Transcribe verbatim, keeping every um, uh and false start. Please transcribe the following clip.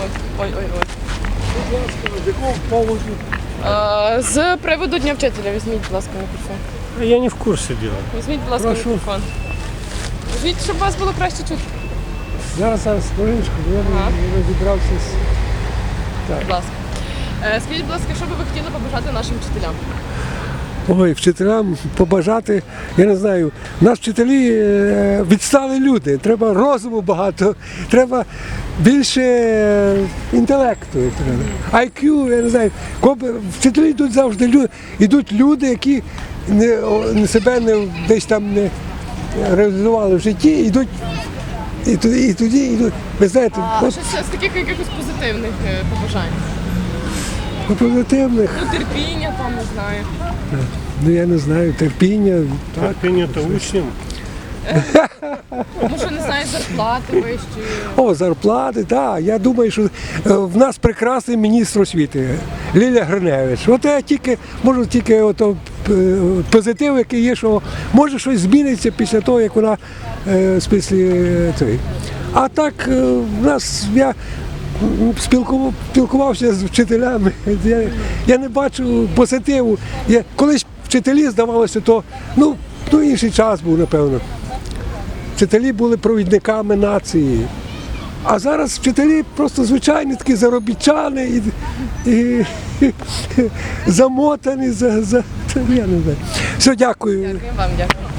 Ой, ой, ой, ой. Будь ласка, з якого поводу? А, з приводу Дня вчителя візьміть, будь ласка, мікрофон. Я не в курсе дела. Візьміть, будь ласка, Прошу. мікрофон. Візьміть, щоб вас було краще чути. Зараз, зараз, хвилиночку, бо я Ага. не розібрався з... Будь ласка. Е, Скажіть, будь ласка, що би ви хотіли побажати нашим вчителям? Ой, вчителям побажати, я не знаю, нас вчителі е, відстали люди, треба розуму багато, треба більше е, інтелекту. Треба. ай к'ю, я не знаю, коби- вчителі йдуть завжди люди, йдуть люди, які не, о, не себе не, десь там не реалізували в житті, йдуть і тоді, і тоді йдуть. Ви знаєте, А от щось з таких якихось позитивних е, побажань? по позитивних, Ну, терпіння там, не знаю. ну я не знаю, терпіння, так. Терпение-то учням. Тому що, не знаю, зарплати вищі. О, зарплати, так. Я думаю, що е, в нас прекрасний міністр освіти Лілія Гриневич. От я тільки можу тільки ото, е, позитив, який є, що може щось зміниться після того, як вона е, в смислі, е, цей. А так е, в нас я м, спілкував, спілкувався з вчителями. Я, я не бачу позитиву. Я, колись вчителі, здавалося, то ну, ну інший час був, напевно. Вчителі були провідниками нації. А зараз вчителі просто звичайні такі заробітчани і, і, і замотані, за, за, я не знаю. Все, дякую. Дякую вам, дякую.